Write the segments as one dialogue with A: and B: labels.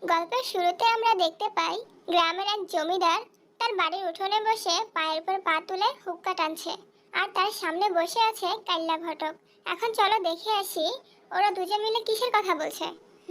A: গল্পের শুরুতে আমরা দেখতে পাই গ্রামের এক জমিদার তার বাড়ির উঠোনে বসে পায়ের উপর পা তুলে হুক্কা টানছে, আর তার সামনে বসে আছে কাল্লা ঘটক। এখন চলো দেখে আসি ওরা দুজন মিলে কিসের কথা বলছে।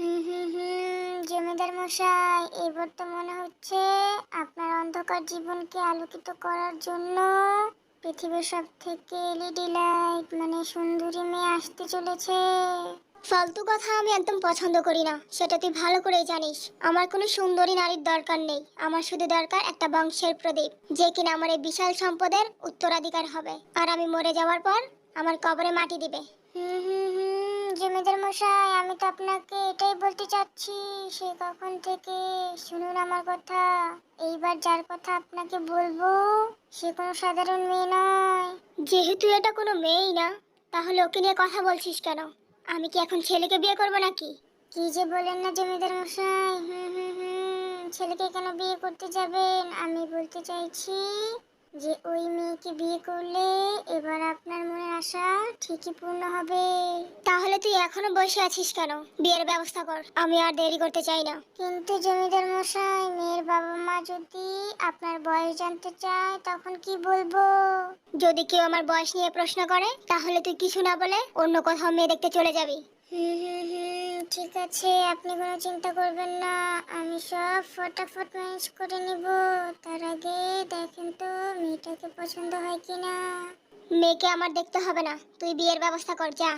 A: জমিদার মশাই, এবার তো মনে হচ্ছে আপনার অন্ধকার জীবনকে আলোকিত করার জন্য পৃথিবীর সব থেকে এলইডি লাইট মানে সুন্দরী মেয়ে আসতে চলেছে। ফালতু কথা আমি একদম পছন্দ করি না, সেটা তুই ভালো করেই জানিস। আমার কোনো সুন্দরী নারীর দরকার নেই, আমার শুধু দরকার একটা বংশের প্রদীপ, যে কিনা আমার এই বিশাল সম্পদের উত্তরাধিকার হবে, আর আমি মরে যাওয়ার পর আমার কবরে মাটি দিবে। জমিদার মশাই, আমি তো আপনাকে এটাই বলতে চাচ্ছি, সে কখন থেকে। শুনুন আমার কথা, এইবার যার কথা আপনাকে বলবো সে কোনো সাধারণ মেয়ে নয়। যেহেতু এটা কোনো মেয়েই না, তাহলে ওকে নিয়ে কথা বলছিস কেন? আমি কি এখন ছেলেকে বিয়ে করব নাকি? কি যে বলেন না জমিদার মশাই, ছেলেকে কেন বিয়ে করতে যাবেন? আমি বলতে চাইছি যে ওই মেয়েকে বিয়ে করলে এবার আপনার মনের আশা ঠিকই পূর্ণ হবে। তাহলে তুই এখনো বসে আছিস কেন? বিয়ের ব্যবস্থা কর, আমি আর দেরি করতে চাই না। কিন্তু জমিদার মশাই, মেয়ের বাবা মা যদি আপনার বয়স জানতে চায় তখন কি বলবো? যদি কেউ আমার বয়স নিয়ে প্রশ্ন করে তাহলে তুই কিছু না বলে অন্য কোথাও মেয়ে দেখতে চলে যাবি। ঠিক আছে, আপনি কোনো চিন্তা করবেন না, আমি সব ফটাফট ম্যানেজ করে নিব। তার আগে দেখেন তো মেয়েটাকে পছন্দ হয় কিনা। মেয়েকে আমার দেখতে হবে না, তুই বিয়ের ব্যবস্থা কর, যা।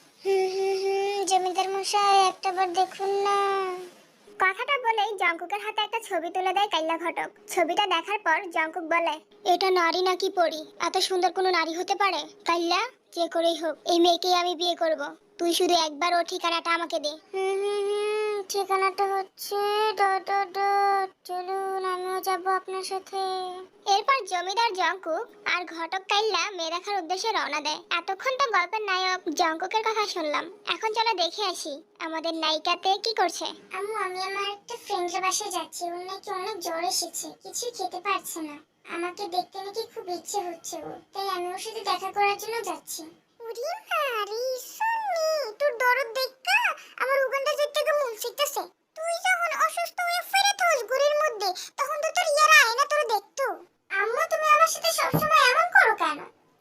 A: জমিদার মশাই, একটাবার দেখুন না। কথাটা বলেই জঙ্কুকের হাতে একটা ছবি তুলে দেয় কাইল্লা ঘটক। ছবিটা দেখার পর জঙ্কুক বলে, এটা নারী নাকি পরী? এত সুন্দর কোনো নারী হতে পারে? কাইল্লা, যে করেই হোক এই মেয়েকেই আমি বিয়ে করব। তুই শুধু একবার ওর ঠিকানাটা আমাকে দে। ঠিকানাটা হচ্ছে ডট ডট ডট, চলুন আমিও যাব আপনার সাথে। এরপর জমিদার জঙ্কুক আর ঘটক কাইল্লা মেয়ে দেখার উদ্দেশ্যে রওনা দেয়। এতক্ষণ তো গল্পের নায়ক জঙ্কুকের কথা শুনলাম, এখন চলো দেখে আসি আমাদের নায়িকাতে কি করছে। আম্মু, আমি আমার একটা ফ্রেন্ডের বাসায় যাচ্ছি, ওর নাকি অনেক জ্বর এসেছে, কিছুই খেতে পারছে না। আমাকে দেখতে নাকি খুব ইচ্ছে হচ্ছে ওর, তাই আমি ওর সাথে দেখা করার জন্য যাচ্ছি। ওরে মারি সনি, তোর দরদ দেখা আমার উগান্ডা যেতে মন চাইতেছে। তুই যখন অসুস্থ হয়ে ফেরত হস ঘরের মধ্যে, তখন তো তোর ইয়ারা আয় না তোর দেখতো। আম্মু, তুমি আমার সাথে সবসময় এমন করো কেন?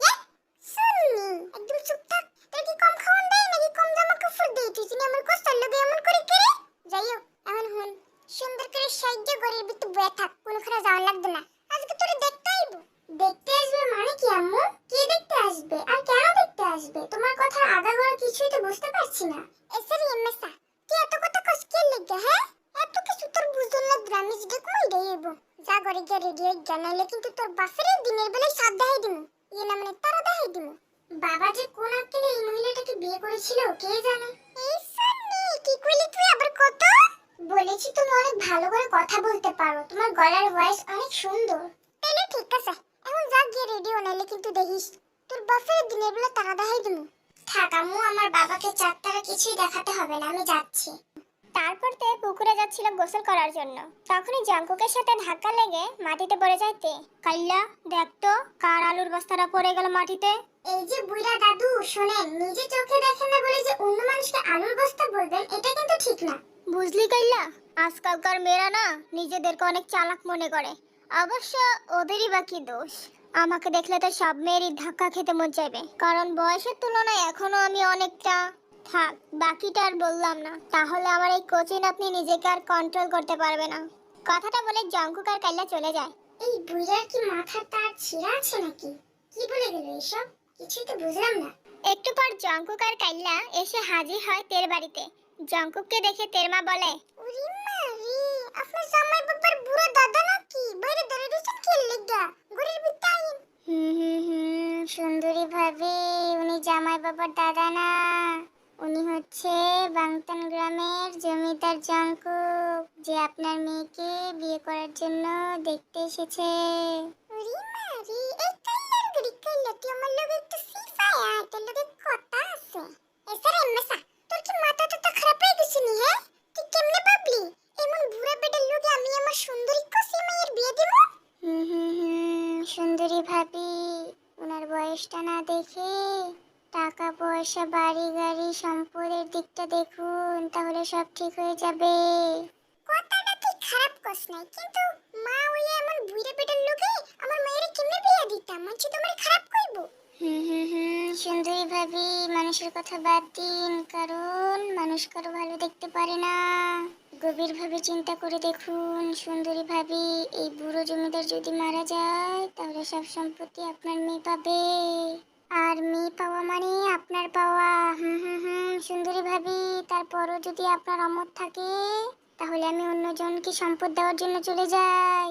A: সনি, একদম চুপ থাক। তোর কি কম খাওয়ান দেয় নাকি কম জামা কাপড় দেয়? তুই চিনি আমার কষ্টের লোকে এমন করে করে। যাই হোক, এমন হুন সুন্দর করে সাহায্য ঘরের ভিতর বয়ে থাক, কোনখানে যাওয়া লাগবে না। আজকে তোরে দেখতে আইবো। দেখতে আসবে মানে কি আম্মু? কে দেখতে আসবে আর কেন দেখতে আসবে? তোমার কথা আগাগোড়া কিছুই তো বুঝতে পারছি না। এসরি এমএসা, তুই এত কথা কস কে লাগা? হ্যাঁ, এত কিছু তোর বুঝল না, গ্রামে যদি কই দেইবো। যা ঘরে গিয়ে রেডি হই, জানাইলে কিন্তু তোর বাসের দিনের বেলায় সাথ দেখাই দিমু। ইয়ে না মানে তারা দেখাই দিমু। বাবা যে কোন আক্কেলে এই মহিলাটাকে বিয়ে করেছিল কে জানে। এই সান্নি, কি কইলি তুই আবার কত? বলেছি তুমি অনেক ভালো করে কথা বলতে পারো, তোমার গলার ভয়েস অনেক সুন্দর। তাহলে ঠিক আছে, এখন যা গিয়ে রেডি হ, নাইলে কিন্তু দেখিস তোর বাপের দিনের বেলা তারা দেখাই দিমু। থাক আম্মু, আমার বাবাকে চাঁদতারা কিছুই দেখাতে হবে না, আমি যাচ্ছি। তারপর তে পুকুরে যাচ্ছিল গোসল করার জন্য, তখনই জঙ্কুকের সাথে ধাক্কা লেগে মাটিতে পড়ে যায় তে। কাল্লা, দেখ তো কার আলুর বস্তাটা পড়ে গেল মাটিতে। এই যে বুইড়া দাদু, শোনেন, নিজে চোখে দেখেন না বলে যে অন্য মানুষকে আলুর বস্তা বলবেন, এটা কিন্তু ঠিক না। বুঝলি কাল্লা, আজকালকার মেয়েরা না নিজেদেরকে অনেক চালাক মনে করে। অবশ্য ওদেরই বা কি দোষ? আমাকে দেখলে তো সব মেয়েরই ধাক্কা খেতে মন চাইবে, কারণ বয়সের তুলনায় এখনো আমি অনেকটা। থাক, বাকিটা আর বললাম না, তাহলে আমার এই কোচিন আপনি নিজেকে আর কন্ট্রোল করতে পারবে না। কথাটা বলে জঙ্কুক আর কাল্লা চলে যায়। এই বুইড়ার কি মাথার তার ছিঁড়া আছে নাকি? কি বলে গেল এসব? কিছুই তো বুঝলাম না। একটু পর জঙ্কুক আর কাল্লা এসে হাজির হয় তের বাড়িতে। জঙ্কুককে দেখে তের মা বলে, ওরে মারি, আপনার জামাই বাবার বুড়া দাদা নাকি? বাইরে দাঁড়িয়ে রয়েছেন কি লাগা? ঘরের ভিতরে আইন। সুন্দরী ভাবি, উনি জামাই বাবার দাদা না, উনি হচ্ছে বাংতান গ্রামের জমিদার জঙ্কুক, যে আপনার মেয়েকে বিয়ে করার জন্য দেখতে এসেছে। ওরে মারি, এই কাল্লার গড়ি কাল্লা, তুই আমার লগে একটু সিফায় আয়, তোর লগে কথা আছে। এসরে এমসা, তোর কি মাথা তো খারাপ হয়ে গেছে নি? হ্যাঁ, তুই কেমনে ভাবলি এমন বুড়া বেটার লগে আমি আমার সুন্দরী কসি মেয়ের বিয়ে দেব? সুন্দরী ভাবি, ওনার বয়সটা না দেখে টাকা পয়সা বাড়ি গাড়ি সম্পদের দিকটা দেখুন, তাহলে সব ঠিক হয়ে যাবে। কত নাই, কিন্তু মা ওই এমন বুইড়া পেটের লোকে আমার মায়ের কেমনে বিয়া দিতাম, মানছি তোমার খারাপ কইব। সুন্দরী ভাবি, মানুষের কথা বাদ দিন, কারণ মানুষ কারো ভালো দেখতে পারে না। গভীরভাবে চিন্তা করে দেখুন সুন্দরী ভাবি, এই বুড়ো জমিদার যদি মারা যায় তাহলে সব সম্পত্তি আপনার মেয়ে পাবে, আর মেয়ে পাওয়া মানে আপনার পাওয়া। সুন্দরী ভাবি, তারপরও যদি আপনার অমত থাকে তাহলে আমি অন্যজনকে সম্পদ দেওয়ার জন্য চলে যাই।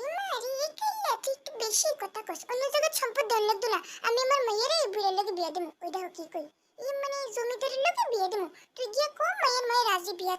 A: বেশি কথা কস, অন্য জায়গায় সম্পদ দেওয়ার লাগতো না, আমি আমার মায়ের এই বুড়ের লোকে বিয়া দেবো। ওইটা কি কই, এই মানে জমিদারের লোকে বিয়া দেবো, তুই গিয়ে কম মায়ের মায়ের রাজি বিয়া।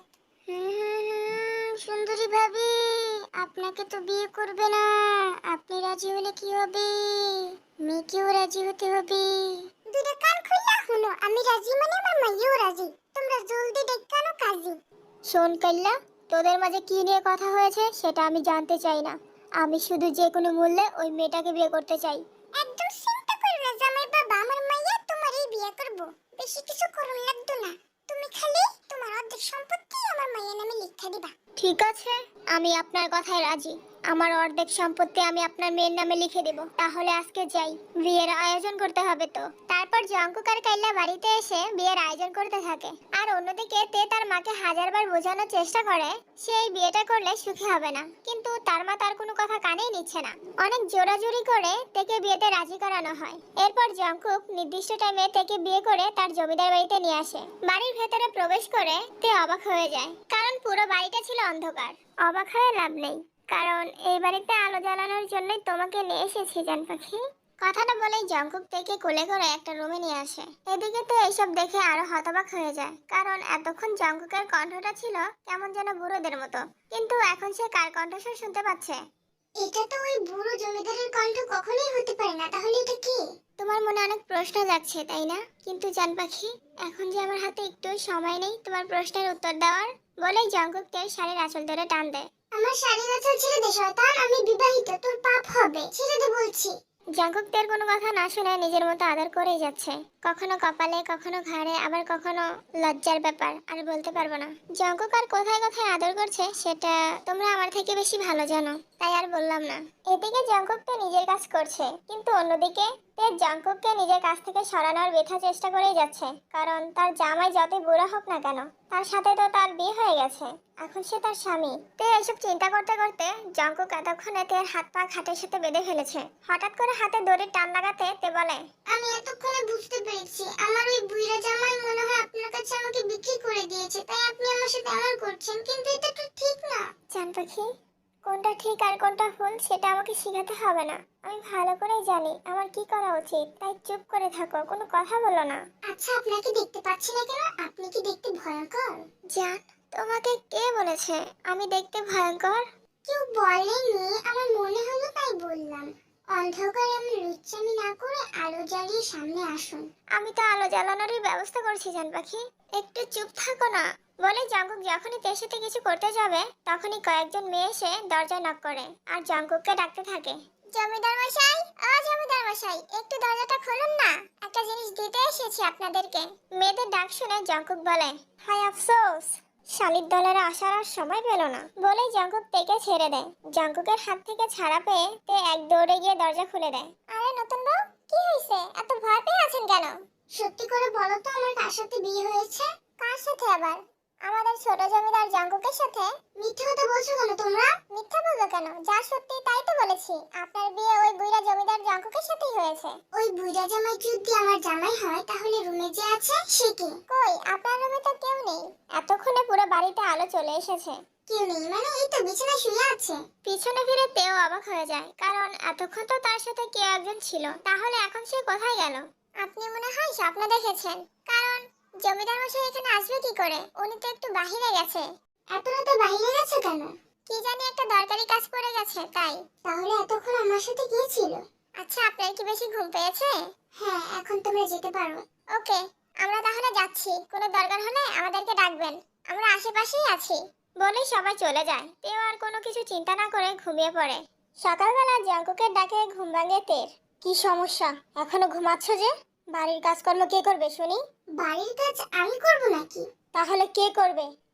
A: সুন্দরী ভাবি, আপনাকে তো বিয়ে করবে না, আপনি রাজি হলে কি হবে, মেয়েকেও রাজি হতে হবে। দুইটা কান খুললা শুনো, আমি রাজি মানে আমার মাইয়াও রাজি, তোমরা জলদি ডেকানো কাজী। শোন কাল্লা, তোদের মাঝে কি নিয়ে কথা হয়েছে সেটা আমি জানতে চাই না, আমি শুধু যে কোনো মূল্যে ওই মেয়েটাকে বিয়ে করতে চাই। একদম চিন্তা করো না জামাই বাবা, আমার মাইয়া তোমারই বিয়ে করব, বেশি কিছু করুন লাগতো না, তুমি খালি তোমার অর্ধেক সম্পত্তি আমার মায়ের নামে লিখে দিবা। ঠিক আছে, আমি আপনার কথায় রাজি, আমার অর্ধেক সম্পত্তি আমি আপনার মেয়ের নামে লিখে দেব। তাহলে আজকে যাই, বিয়ের আয়োজন করতে হবে তো। তারপর জঙ্কুক আর কাইলা বাড়িতে এসে বিয়ের আয়োজন করতে থাকে, আর অন্যদিকে তে তার মাকে হাজারবার বোঝানোর চেষ্টা করে সেই বিয়েটা করলে সুখী হবে না, কিন্তু তার মা তার কোনো কথা কানেই নিচ্ছে না। অনেক জোরাজুরি করে তেকে বিয়েতে রাজি করানো হয়। এরপর জঙ্কুক নির্দিষ্ট টাইমে তেকে বিয়ে করে তার জমিদার বাড়িতে নিয়ে আসে। বাড়ির ভেতরে প্রবেশ করে তে অবাক হয়ে যায়, কারণ পুরো বাড়িটা ছিল অন্ধকার। অবাক হয়ে লাভ নেই, কারণ এই বাড়িতে আলো জ্বালানোর জন্যই তোমাকে নিয়ে এসেছি জান পাখি। কথাটা বলেই জঙ্কুক থেকে কোলে করে একটা রুমে নিয়ে আসে। এদিকে তো এইসব দেখে আরো হতবাক হয়ে যায়, কারণ এতক্ষণ জঙ্কুকের কণ্ঠটা ছিল কেমন যেন বুড়োদের মতো, কিন্তু এখন সে কার কণ্ঠস্বর শুনতে পাচ্ছে? এটা তো ওই বুড়ো জমিদারের কণ্ঠ কখনোই হতে পারে না, তাহলে এটা কি? তোমার মনে অনেক প্রশ্ন যাচ্ছে তাই না, কিন্তু জান পাখি এখন যে আমার হাতে একটু সময় নেই তোমার প্রশ্নের উত্তর দেওয়ার। বলেই জঙ্কুক তার শাড়ির আঁচল ধরে টান দেয়। আমার শাড়ির আঁচল ছেড়ে দে শয়তান, আমি বিবাহিত, তোর পাপ হবে, ছেড়ে দে বলছি। জঙ্কুক তার কোনো কথা না শুনে নিজের মতো আদর করেই যাচ্ছে, কখনো কপালে, কখনো ঘাড়ে, আবার কখনো লজ্জার ব্যাপার, আর বলতে পারবো না জঙ্কুক আর কোথায় কোথায় আদর করছে সেটা তোমরা আমার থেকে বেশি ভালো জানো, তাই আর বললাম না। এদিকে জঙ্কুক তো নিজের কাজ করছে, কিন্তু অন্যদিকে তে জঙ্কুককে নিজের কাছ থেকে সরানোর বৃথা চেষ্টা করেই যাচ্ছে, কারণ তার জামাই যতই বুড়া হোক না কেন তার সাথে তো তার বিয়ে হয়ে গেছে, এখন সে তার স্বামী। তে এসব চিন্তা করতে করতে জঙ্কুক এতক্ষণে তের হাত পা খাটের সাথে বেঁধে ফেলেছে। হঠাৎ করে হাতে দড়ির টান লাগাতে তে বলে, আমি এতক্ষণে বুঝতে পেরেছি, আমার ওই বুইড়া জামাই মনে হয় আপনার কাছে আমাকে বিক্রি করে দিয়েছে, তাই আপনি আমার সাথে এমন করছেন, কিন্তু এটা তো ঠিক না। জান পাখি, কোনটা ঠিক আর কোনটা ভুল সেটা আমাকে শেখাতে হবে না, আমি ভালো করেই জানি আমার কি করা উচিত, তাই চুপ করে থাকো, কোনো কথা বলো না। আচ্ছা, আপনাকে দেখতে পাচ্ছি না কেন, আপনি কি দেখতে ভয়ঙ্কর? জান, তোমাকে কে বলেছে আমি দেখতে ভয়ঙ্কর? কেউ বলেনি, আমার মনে হলো তাই বললাম। অন্ধকারে আমি লুচ্চামি না করে আলো জ্বালিয়ে সামনে আসুন। আমি তো আলো জ্বালানোরই ব্যবস্থা করছি জান পাখি, একটু চুপ থাকো না। বলে জঙ্কুক যখনই তের সাথে কিছু করতে যাবে তখনই কয়েকজন মেয়ে এসে দরজা নক করে আর জঙ্কুককে ডাকতে থাকে, জমিদার মশাই, ও জমিদার মশাই, একটু দরজাটা খুলুন না, একটা জিনিস দিতে এসেছি আপনাদেরকে। মেয়েদের ডাক শুনে জঙ্কুক বলে, হায় আফসোস, শালির দলের আসার আর সময় পেল না। বলেই জঙ্কুক তেকে ছেড়ে দেয়। জঙ্কুকের হাত থেকে ছাড়া পেয়ে তে এক দৌড়ে গিয়ে দরজা খুলে দেয়। আরে নতুন বউ, কি হয়েছে, এত ভয় পেয়ে আছেন কেন? সত্যি করে বলো তো আমার কার সাথে বিয়ে হয়েছে? কার সাথে আবার? আমাদের ছোট জমিদার জঙ্কুকের সাথে। মিথ্যা কথা বলছো কেন তোমরা? মিথ্যা বলবো কেন, যা সত্যি তাই তো বলেছি, আপনার বিয়ে ওই বুইড়া জমিদার জঙ্কুকের সাথেই হয়েছে। ওই বুইড়া জামাই যদি আমার জামাই হয় তাহলে রুমে যে আছে সে কি? কই, আপনার রুমে তো কেউ নেই। এতক্ষণে পুরো বাড়িতে আলো চলে এসেছে। কেউ নেই মানে? এই তো বিছানায় শুয়ে আছে। পিছনে ফিরে তেও অবাক হয়ে যায়, কারণ এতক্ষণ তো তার সাথে কেউ একজন ছিল, তাহলে এখন সে কোথায় গেল? আপনি মনে হয় স্বপ্ন দেখেছেন, কারণ জমিদার মশাই এখানে আসবে কি করে, উনি তো একটু বাহিরে গেছে। এত রাতে বাহিরে গেছে কেন? কি জানি একটা দরকারি কাজ পড়ে গেছে তাই। তাহলে এতক্ষণ আমার সাথে কি ছিল? আচ্ছা, আপনার কি বেশি ঘুম পেয়েছে? হ্যাঁ, এখন তোমরা যেতে পারো। ওকে, আমরা তাহলে যাচ্ছি, কোনো দরকার হলে আমাদেরকে ডাকবেন, আমরা আশেপাশেই আছি। বলে সবাই চলে যায়। তেও আর কোনো কিছু চিন্তা না করে ঘুমিয়ে পড়ে। সকালবেলা জঙ্কুকের ডাকে ঘুম ভাঙে তের। কি সমস্যা, এখনো ঘুমাচ্ছ যে? বাড়ির কাজকর্ম কে করবে শুনি? বাড়ির কাজ আমি করব নাকি? তাহলে কে করবে?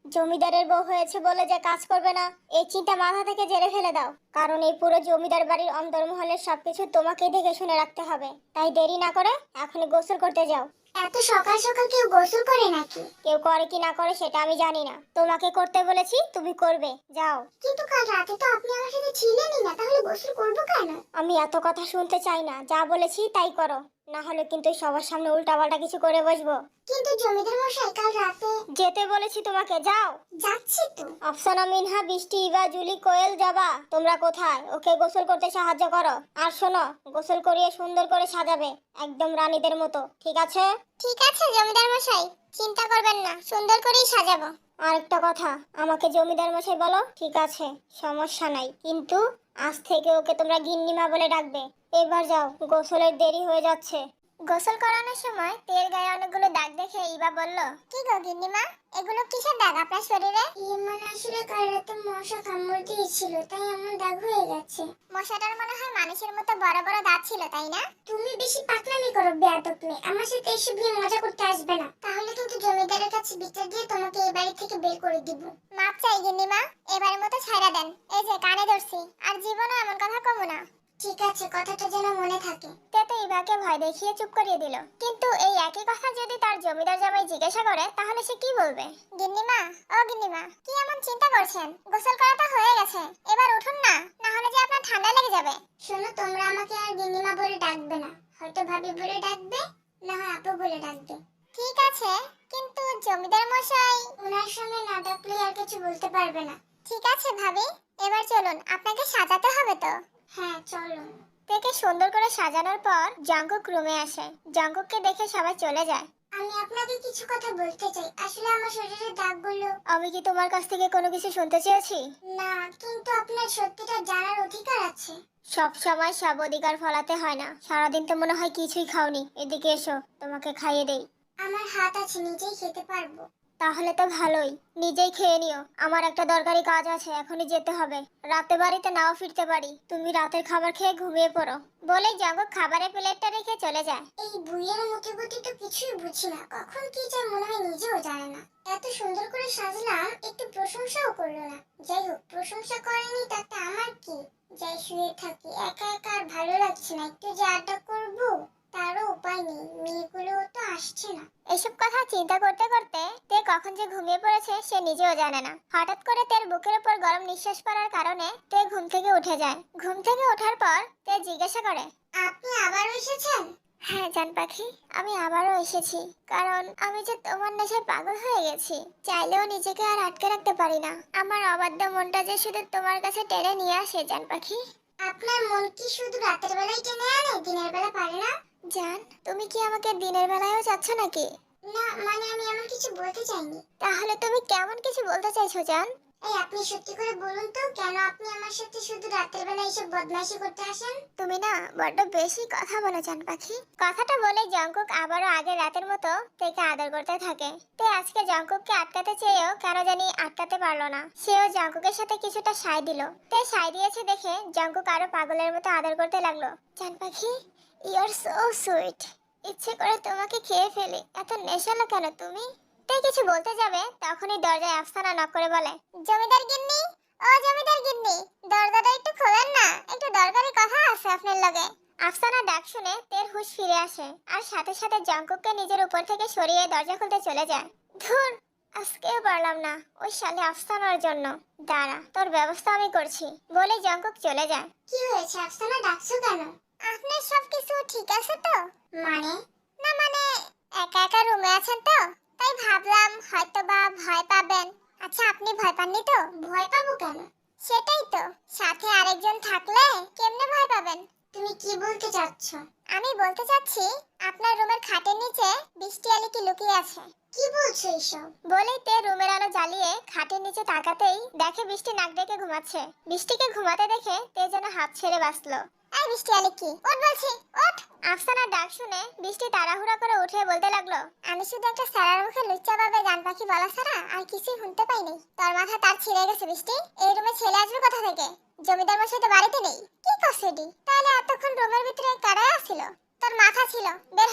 A: জমিদারের বউ হয়েছে বলে যে কাজ করবে না, এই চিন্তা মাথা থেকে ঝেড়ে ফেলে দাও। কারণ এই পুরো জমিদার বাড়ির অন্দরমহলের সবকিছু তোমাকেই দেখে শুনে রাখতে হবে। তাই দেরি না করে এখনই গোসল করতে যাও। এত সকাল সকাল কেউ গোসল করে নাকি? কেউ করে কি না করে সেটা আমি জানি না, তোমাকে করতে বলেছি, তুমি করবে, যাও। কিন্তু কাল রাতে তো আপনি আমার সাথে ছিলেনই না, তাহলে গোসল করব কেন? আমি এত কথা শুনতে চাই না, যা বলেছি তাই করো, না হলে কিন্তু সবার সামনে উল্টাপাল্টা কিছু করে বসবো। কিন্তু জমিদার মশাই কাল রাতে যেতে বলেছি তোমাকে, যাও। যাচ্ছি তো। আফসানা, মিনহা, বৃষ্টি, ইভা, জুলি, কোয়েল, জবা, তোমরা কোথায়? ওকে গোসল করতে সাহায্য করো। আর শোনো, গোসল করিয়ে সুন্দর করে সাজাবে, একদম রানীদের মতো, ঠিক আছে? ঠিক আছে জমিদার মশাই, চিন্তা করবেন না, সুন্দর করেই সাজাবো। আরেকটা কথা, আমাকে জমিদার মশাই বলো, ঠিক আছে, সমস্যা নাই, কিন্তু আজ থেকে ওকে তোমরা গিন্নিমা বলে ডাকবে। এবার যাও, গোসলের দেরি হয়ে যাচ্ছে। গোসল করানোর সময় তেল গায়ে অনেকগুলো দাগ দেখে ইবা বলল, কি গো গিন্নিমা, এগুলো কিসের দাগ আপনার শরীরে? মানে আসলে কাল রাতে মশা কামড় দিয়েছিল, তাই এমন দাগ হয়ে গেছে। মশাটার মনে হয় মানুষের মতো বড় বড় দাঁত ছিল, তাই না? তুমি বেশি পাকনামি করো বেয়াদব মেয়ে, আমার সাথে এসব নিয়ে মজা করতে আসবে না, তাহলে কিন্তু জমিদারের কাছে বিচার দিয়ে তোমাকে এই বাড়ি থেকে বের করে দিব। মাপ চাই গিন্নিমা, এবারের মতো ছাইড়া দেন, এই যে কানে ধরছি, আর জীবনে এমন কথা কমু না। ঠিক আছে, কথাটা যেন মনে থাকে। তেতে ইভাকে ভয় দেখিয়ে চুপ করিয়ে দিল। কিন্তু এই একই কথা যদি তার জমিদার জামাই জিজ্ঞাসা করে, তাহলে সে কি বলবে? গিন্নিমা, ও গিন্নিমা, কি এমন চিন্তা করছেন? গোসল করাটা হয়ে গেছে, এবার উঠুন না, না হলে যে আপনার ঠান্ডা লেগে যাবে। শোনো, তোমরা আমাকে আর গিন্নিমা বলে ডাকবে না, হয়তো ভাবি বলে ডাকবে, না হয় আপু বলে ডাকবে। ঠিক আছে, কিন্তু জমিদার মশাই ওনার সামনে না ডাকলে আর কিছু বলতে পারবে না। ঠিক আছে ভাবি, এবার চলুন, আপনাকে সাজাতে হবে তো। হ্যাঁ চলো। তেকে সুন্দর করে সাজানোর পর জাঙ্কুক রুমে আসে। জাঙ্কুককে দেখে সবাই চলে যায়। আমি আপনাকে কিছু কথা বলতে চাই, আসলে আমার শরীরের দাগগুলো। আমি কি তোমার কাছ থেকে কোনো কিছু শুনতে চেয়েছি? না, কিন্তু আপনার সত্যিটা জানার অধিকার আছে। সব সময় সব অধিকার ফলাতে হয় না, সারাদিন তো মনে হয় কিছুই খাওনি, এদিকে এসো, তোমাকে খাইয়ে দেই। আমার হাত আছে, নিজেই খেতে পারবো। তাহলে তো ভালোই, নিজেই খেয়ে নিও, আমার একটা দরকারি কাজ আছে, এখনই যেতে হবে, রাতে বাড়িতে নাও ফিরতে পারি, তুমি রাতের খাবার খেয়ে ঘুমিয়ে পড়ো। বলেই জাঙ্কুক খাবারের প্লেটটা রেখে চলে যায়। এই বুইয়ের মতিগতি তো কিছুই বুঝি না, কখন কি যায় মনে হয় নিজেও জানে না। এত সুন্দর করে সাজলাম, একটু প্রশংসাও করলো না। যাই হোক, প্রশংসা করেনি তাতে আমার কি, যাই শুয়ে থাকি, একা একা আর ভালো লাগছে না, একটু যে আড্ডা করবো তারও উপায় নেই, মেয়েগুলো তো আসছে না। এসব কথা চিন্তা করতে করতে তে কখন যে ঘুমিয়ে পড়েছে সে নিজেও জানে না। হঠাৎ করে তের বুকের উপর গরম নিঃশ্বাস পড়ার কারণে তে ঘুম থেকে উঠে যায়। ঘুম থেকে ওঠার পর তে জিজ্ঞাসা করে, আপনি আবারও এসেছেন? হ্যাঁ জান পাখি, আমি আবারও এসেছি, কারণ আমি যে তোমার নেশায় পাগল হয়ে গেছি, চাইলেও নিজেকে আর আটকে রাখতে পারি না। আমার অবাধ্য মনটা যে শুধু তোমার কাছে টেনে নিয়ে আসে জান পাখি। আপনার মন কি শুধু রাতের বেলায় টেনে আনে, দিনের বেলা পারে না? জান, তুমি কি আমাকে দিনের বেলায়ও চাচ্ছ নাকি? না, মানে আমি এমন কিছু বলতে চাইনি। তাহলে তুমি কেমন কিছু বলতে চাইছো জান? এই আপনি সত্যি করে বলুন তো, কেন আপনি আমার সাথে শুধু রাতের বেলা এসব বদমাইশি করতে আসেন? তুমি না বড্ড বেশি কথা বলো জান পাখি। কথাটা বলে জাঙ্কুক আবারও আগের রাতের মতো তেকে আদর করতে থাকে। তে আজকে জাঙ্কুককে আটকাতে চেয়েও কেন জানি আটকাতে পারলো না। সেও জাঙ্কুকের সাথে কিছুটা সায় দিল। তে সায় দিয়েছে দেখে জাঙ্কুক আরো পাগলের মতো আদর করতে লাগলো। জান পাখি, ইউ আর সো সুইট, ইচ্ছে করে তোমাকে খেয়ে ফেলি, এত নেশালো কেন তুমি? তে কিছু বলতে যাবে তখনই দরজায় আফসানা নক করে বলে, জমিদার গিন্নি, ও জমিদার গিন্নি, দরজাটা একটু খোলেন না, একটু দরকারি কথা আছে আপনার লগে। আফসানা ডাক শুনে তের হুঁশ ফিরে আসে আর সাথে সাথে জাঙ্কুককে নিজের উপর থেকে সরিয়ে দরজা খুলতে চলে যায়। ধুর, আজকেও পারলাম না, ওই শালি আফসানার জন্য। দাঁড়া, তোর ব্যবস্থা আমি করছি, বলে জাঙ্কুক চলে যায়। কি হয়েছে আফসানা, ডাকছো কেন? আপনার সবকিছু ঠিক আছে তো? মানে? না মানে, একা একা রুমে আছেন তো, তাই ভাবলাম হয়তোবা ভয় পাবেন। আচ্ছা, আপনি ভয় পাননি তো? ভয় পাবো কেন? সেটাই তো, সাথে আরেকজন থাকলে কেমনে ভয় পাবেন? তুমি কি বলতে চাচ্ছ? আমি বলতে চাচ্ছি, আপনার রুমের খাটের নিচে বৃষ্টি আলী কি লুকিয়ে আছে। কি বলছো এসব? বলেই তে রুমের আলো জ্বালিয়ে খাটের নিচে তাকাতেই দেখে বৃষ্টি নাক ডেকে ঘুমাচ্ছে। বৃষ্টিকে ঘুমাতে দেখে তে যেন হাত ছেড়ে বাঁচলো। এই বৃষ্টি আলী, কি ওঠ বলছি, ওঠ। আফসানার ডাক শুনে বৃষ্টি তাড়াহুড়া করে উঠে বলতে লাগলো, আমি শুধু একটা সারার মুখে লুচ্চা ভাবে গান পাখি বলা ছাড়া আর কিছুই শুনতে পাইনি। তোর মাথা তার ছিঁড়ে গেছে বৃষ্টি, এই রুমে ছেলে আসবে কোথা থেকে? জমিদার মশাই তো বাড়িতে নেই। কি করছিস? তাহলে এতক্ষণ রুমের ভিতরে কারাই আছিল? তোর মাথা ছিল, বের হয়ে আয়।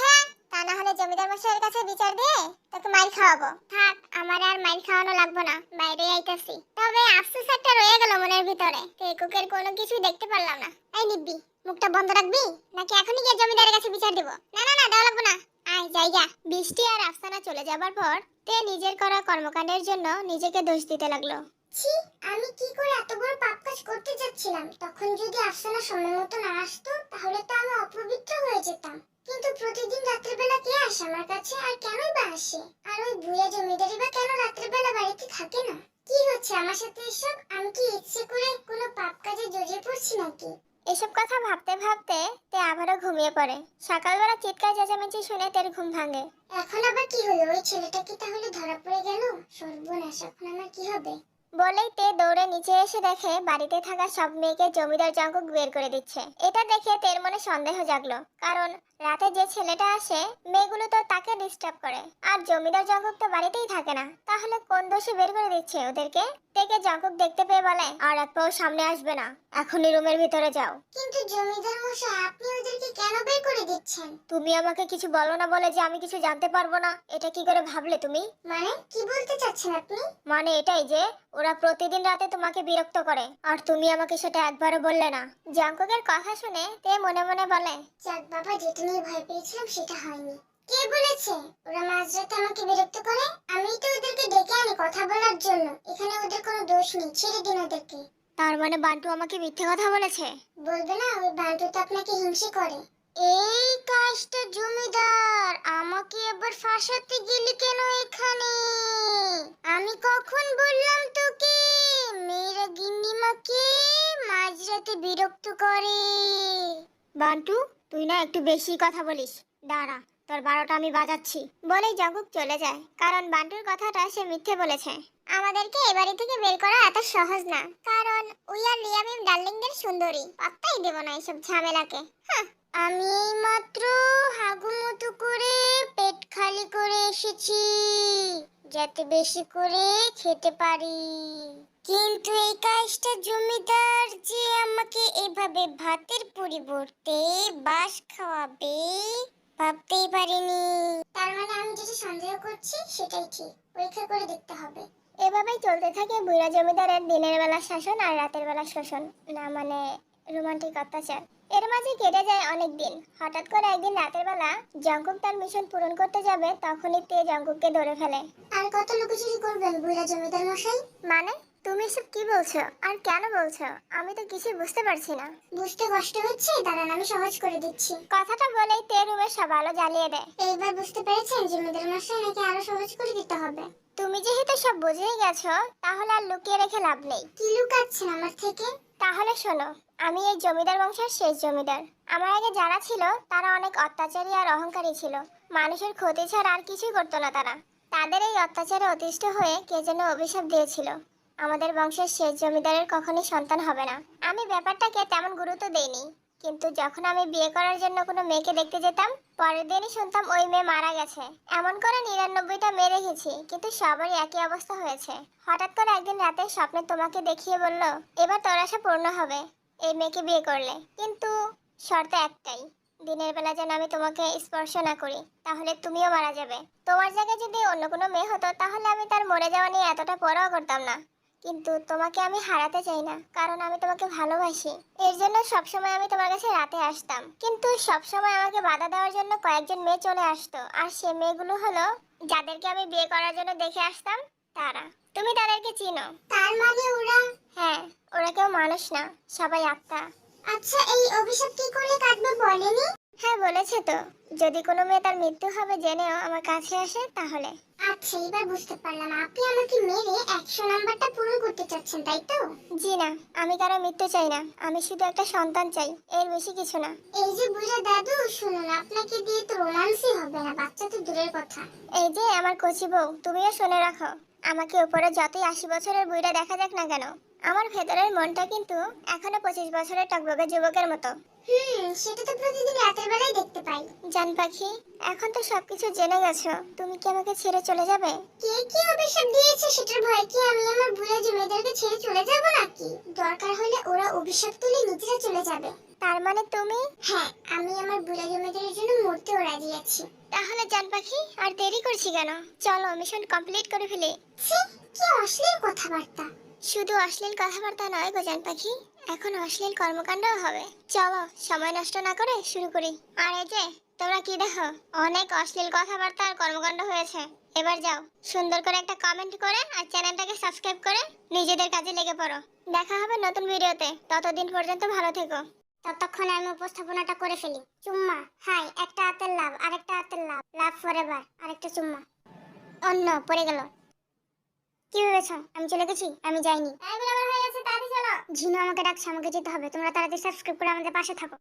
A: তা না হলে জমিদার মশাইয়ের কাছে বিচার দিয়ে তোকে মাইর খাওয়াবো। থাক, আমার আর মাইর খাওয়ানো লাগবে না, বাইরে আইতাছি। তবে আফসোস একটা রয়ে গেল মনের ভিতরে, টেকুকের কোনো কিছু দেখতে পারলাম না। এই নিব্বি, মুখটা বন্ধ রাখবি নাকি এখনই গিয়ে জমিদারের কাছে বিচার দিব? না না না, দেওয়া লাগবে না, আয় জায়গা। বৃষ্টি আর আফসানা চলে যাবার পর তে নিজের করা কর্মকাণ্ডের জন্য নিজেকে দোষ দিতে লাগলো। ছি, আমি কি করে এত বড় পাপ কাজ করতে যাচ্ছিলাম? তখন যদি আফসানা সময় মতো না আসতো তাহলে তো আমি অপবিত্র হয়ে যেতাম। কিন্তু প্রতিদিন রাত্রিবেলা কে আসে আমার কাছে, আর কেনই বা আসে? আর ওই বুয়া জমিদারি বা কেন রাত্রিবেলা বাড়িতে থাকে না? কি হচ্ছে আমার সাথে এসব? আমি কি ইচ্ছে করে কোনো পাপ কাজে জড়িয়ে পড়ছি নাকি? এসব কথা ভাবতে ভাবতে তে আবারও ঘুমিয়ে পড়ে। সকালবেলা চিৎকার চেঁচামেচি শুনে তের ঘুম ভাঙে। এখন আবার কি হলো? ওই ছেলেটা কি তাহলে ধরা পড়ে গেল? সর্বনাশ, এখন আমার কি হবে? বলেই তে দৌড়ে নিচে এসে দেখে বাড়িতে থাকা সব মেয়েকে জমিদার জঙ্কুক বের করে দিচ্ছে। এটা দেখে তের মনে সন্দেহ জাগলো, কারণ রাতে যে ছেলেটা আসে মেয়েগুলো তো তাকে ডিস্টার্ব করে, আর জমিদার জঙ্কুক তো বাড়িতেই থাকে না। তাহলে কোন দোষী বের করে দিচ্ছে ওদেরকে? তেকে জঙ্কুক দেখতে পেয়ে বলে, আর এক পাও সামনে আসবে না, এখনই রুমের ভিতরে যাও। কিন্তু জমিদার মশাই, আপনি ওদেরকে কেন বের করে দিচ্ছেন? তুমি আমাকে কিছু বলো না বলে যে আমি কিছু জানতে পারবো না, এটা কি করে ভাবলে তুমি? মানে কি বলতে চাচ্ছেন আপনি? মানে এটাই যে ওরা প্রতিদিন রাতে তোমাকে বিরক্ত করে, আর তুমি আমাকে সেটা একবারও বললে না। জঙ্কুকের কথা শুনে তে মনে মনে বলে, যাক বাবা, যেটা নিয়ে ভয় পেয়েছিলাম সেটা হয়নি। কে বলেছে ওরা মাঝরাতে আমাকে বিরক্ত করে? আমি তো ওদেরকে ডেকে আনি কথা বলার জন্য। এখানে ওদের কোনো দোষ নেই, ছেড়ে দিন ওদেরকে। তার মানে বান্টু আমাকে মিথ্যে কথা বলেছে? বলবে না, ওই বান্টু তো আপনাকে হিংসে করে। এই কাজটা জমিদার, আমাকে এবার ফাঁসাতে গেলি কেন এখানে? আমি কখন বললাম তোকে মেয়েরা গিন্নিমাকে মাঝরাতে বিরক্ত করে? বান্টু, তুই না একটু বেশি কথা বলিস, দাঁড়া, তোর 12টা আমি বাজাচ্ছি। বলেই জঙ্কুক চলে যায়, কারণ বান্টুর কথাটা সে মিথ্যে বলেছে। আমাদেরকে এ বাড়ি থেকে বের করা এত সহজ না, কারণ উই আর রিয়ামিম ডার্লিংদের সুন্দরী, পাত্তাই দেব না এসব ঝামেলাকে। আমি মাত্র হাগুমতো করে পেট খালি করে এসেছি, যাতে বেশি করে খেতে পারি। কিন্তু এই কাজটা জমিদার যে আমাকে এভাবে ভাতের পরিবর্তে বাঁশ খাওয়াবে ভাবতেই পারিনি। তার মানে আমি যেটা সন্দেহ করছি সেটাই ঠিক, পরীক্ষা করে দেখতে হবে। এভাবেই চলতে থাকে বুড়া জমিদারের দিনের বেলা শাসন আর রাতের বেলা শোষণ, না মানে রোমান্টিক অত্যাচার। এর মাঝে কেটে যায় অনেক দিন। হঠাৎ করে একদিন রাতের বেলা জঙ্কুক তার মিশন পূরণ করতে যাবে, তখনই তে জঙ্কুককে ধরে ফেলে। আর কত লুকোচুরি করবেন বুড়া জমিদার মশাই? মানে তুমি সব কি বলছো আর কেন বলছো? আমি তো কিছু বুঝতে পারছি না। বুঝতে কষ্ট হচ্ছে? দাঁড়ান, আমি সহজ করে দিচ্ছি। কথাটা বলেই তে রুমের সব আলো জ্বালিয়ে দেয়। এইবার বুঝতে পেরেছেন জমিদার মশাই, নাকি আরো সহজ করে দিতে হবে? তুমি যেহেতু সব বুঝেই গেছো, তাহলে আর লুকিয়ে রেখে লাভ নেই। কি লুকাচ্ছেন আমার থেকে? তাহলে শোনো, আমি এই জমিদার বংশের শেষ জমিদার। আমার আগে যারা ছিল তারা অনেক অত্যাচারী আর অহংকারী ছিল। মানুষের ক্ষতি ছাড়া আর কিছুই করতো না তারা। তাদের এই অত্যাচারে অতিষ্ঠ হয়ে কে যেন অভিশাপ দিয়েছিল, আমাদের বংশের শেষ জমিদারের কখনোই সন্তান হবে না। আমি ব্যাপারটাকে তেমন গুরুত্ব দেইনি, কিন্তু যখন আমি বিয়ে করার জন্য কোনো মেয়েকে দেখতে যেতাম, পরের দিনই শুনতাম ওই মেয়ে মারা গেছে। এমন করে 99টা মেয়ে রেখেছি, কিন্তু সবারই একই অবস্থা হয়েছে। হঠাৎ করে একদিন রাতে স্বপ্নে তোমাকে দেখিয়ে বলল, এবার তোর আশা পূর্ণ হবে এই মেয়েকে বিয়ে করলে, কিন্তু শর্ত একটাই, দিনের বেলা যেন আমি তোমাকে স্পর্শ না করি, তাহলে তুমিও মারা যাবে। তোমার জায়গায় যদি অন্য কোনো মেয়ে হতো তাহলে আমি তার মরে যাওয়া নিয়ে এতটা পরোয়া করতাম না, কিন্তু তোমাকে আমি হারাতে চাই না, কারণ আমি তোমাকে ভালোবাসি। এর জন্য সবসময় আমি তোমার কাছে রাতে আসতাম, কিন্তু সবসময় আমাকে বাধা দেওয়ার জন্য কয়েকজন মেয়ে চলে আসতো, আর সে মেয়েগুলো হলো যাদেরকে আমি বিয়ে করার জন্য দেখে আসতাম তারা। তুমি তাদেরকে চিনো? তার মানে ওরা? হ্যাঁ, ওরা কেউ মানুষ না, সবাই আত্মা। আচ্ছা, এই অভিশাপ কি করে কাটবে বলেনি? হ্যাঁ বলেছে তো, যদি কোনো মেয়ে তার মৃত্যু হবে জেনেও আমার কাছে আসে তাহলে। আচ্ছা, এবার বুঝতে পারলাম, আপনি আমাকে মেরে 100 নাম্বারটা পূরণ করতে চাচ্ছেন, তাই তো? জি না, আমি কারো মৃত্যু চাই না, আমি শুধু একটা সন্তান চাই, এর বেশি কিছু না। এই যে বুড়া দাদু, শুনুন, আপনাকে দিয়ে তো রোমান্সই হবে না, বাচ্চা তো দূরের কথা। এই যে আমার কচি বউ, তুমিও শুনে রাখো, আমাকে উপরে যতই 80 বছরের বুড়া দেখা যাক না কেন, আমার ভেতরের মনটা কিন্তু এখনো 25 বছরের টকবকে যুবকের মতো। সেটা তো প্রতিদিন রাতের বেলায় দেখতে পাই। জান পাখি, এখন তো সবকিছু জেনে গেছো, তুমি কি আমাকে ছেড়ে চলে যাবে? কে কি অভিশাপ দিয়েছে সেটার ভয় কি আমি আমার বুড়া জমিদারকে ছেড়ে চলে যাব নাকি? দরকার হলে ওরা অভিশাপ তুলে নিজেরা চলে যাবে। তার মানে তুমি? হ্যাঁ, আমি আমার বুড়া জমিদারের জন্য মরতেও রাজি আছি। তাহলে জান পাখি আর দেরি করছি কেন? চলো মিশন কমপ্লিট করে ফেলি। ছি, কি অশ্লীল কথাবার্তা। শুধু অশ্লীল কথাবার্তা নয় গো জান পাখি, এখন অশ্লীল কর্মকাণ্ডও হবে। চলো সময় নষ্ট না করে শুরু করি। আর এই যে তোমরা কি দেখো, অনেক অশ্লীল কথাবার্তা আর কর্মকাণ্ড হয়েছে। এবার যাও সুন্দর করে একটা কমেন্ট করে আর চ্যানেলটাকে সাবস্ক্রাইব করে নিজেদের কাজে লেগে পড়ো। দেখা হবে নতুন ভিডিওতে, ততদিন পর্যন্ত ভালো থেকো। ততক্ষণে আমি উপস্থাপনাটা করে ফেলি। চুম্মা, হাই, একটা হাতের লাভ, আরেকটা হাতের লাভ, লাভ ফরএভার, আরেকটা চুম্মা। অন্য পড়ে গেল। কি ভেবেছো আমি চলে গেছি? আমি যাইনি। এই বলে আমার হয়ে গেছে, তাড়াতাড়ি চলো। ঝিনু আমাকে ডাকছে, আমাকে যেতে হবে। তোমরা তাড়াতাড়ি সাবস্ক্রাইব করে আমাদের পাশে থাকো।